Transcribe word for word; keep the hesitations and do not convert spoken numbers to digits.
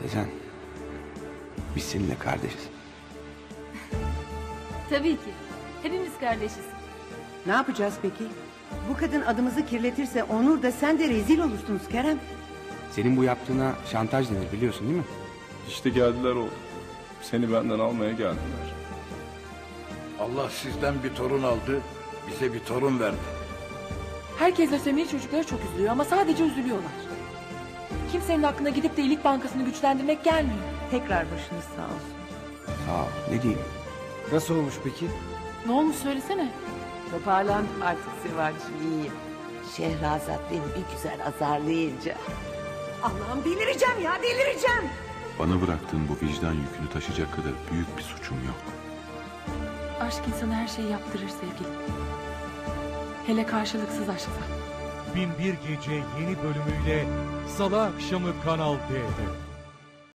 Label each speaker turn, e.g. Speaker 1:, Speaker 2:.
Speaker 1: Sezen, biz seninle kardeşiz.
Speaker 2: Tabii ki. Hepimiz kardeşiz.
Speaker 3: Ne yapacağız peki? Bu kadın adımızı kirletirse Onur da sen de rezil olursunuz Kerem.
Speaker 1: Senin bu yaptığına şantaj denir, biliyorsun değil mi?
Speaker 4: İşte geldiler oğlum. Seni benden almaya geldiler.
Speaker 5: Allah sizden bir torun aldı, bize bir torun verdi.
Speaker 6: Herkes lösemili çocukları çok üzülüyor ama sadece üzülüyorlar. Kimsenin aklına gidip de iyilik bankasını güçlendirmek gelmiyor.
Speaker 3: Tekrar başınız sağ olsun.
Speaker 1: Sağ ol, ne diyeyim?
Speaker 7: Nasıl olmuş peki?
Speaker 6: Ne olmuş söylesene.
Speaker 8: Toparlandım artık Sıvancığım, iyiyim. Şehrazat beni bir güzel azarlayınca.
Speaker 3: Allah'ım delireceğim ya delireceğim.
Speaker 9: Bana bıraktığın bu vicdan yükünü taşıyacak kadar büyük bir suçum yok.
Speaker 6: Aşk insana her şeyi yaptırır sevgilim. Hele karşılıksız aşksa.
Speaker 10: Bin bir Gece yeni bölümüyle Salı akşamı Kanal D'de.